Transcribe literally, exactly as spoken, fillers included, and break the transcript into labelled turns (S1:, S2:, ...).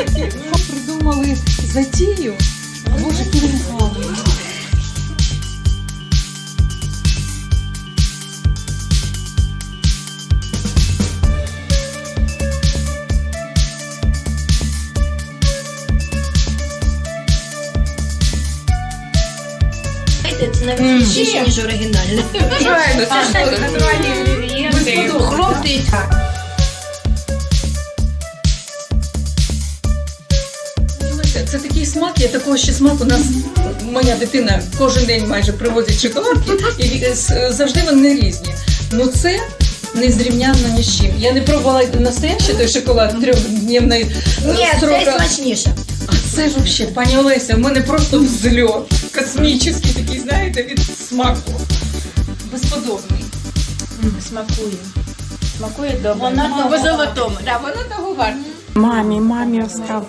S1: Придумали затію. Боже, перегали.
S2: Це навіть більше, ніж оригінальне.
S1: Правильно, це ж натуральні інгредієнти.
S2: Хроптить.
S1: Це такий смак, я такого ще смаку. У нас моя дитина кожен день майже привозить шоколадки, і завжди вони різні. Ну це не зрівняно ні з чим. Я не пробувала настоящий той шоколад трьохдневний
S2: Ні,
S1: срока.
S2: це смачніше.
S1: А це ж взагалі, пані Олеся, в мене просто взльот. Космічний такий, знаєте, від смаку. Безподобний.
S2: Смакує. Смакує добре.
S1: Вона
S2: по золотому.
S1: Да, вона того варта.
S3: Мамі, мамі остав.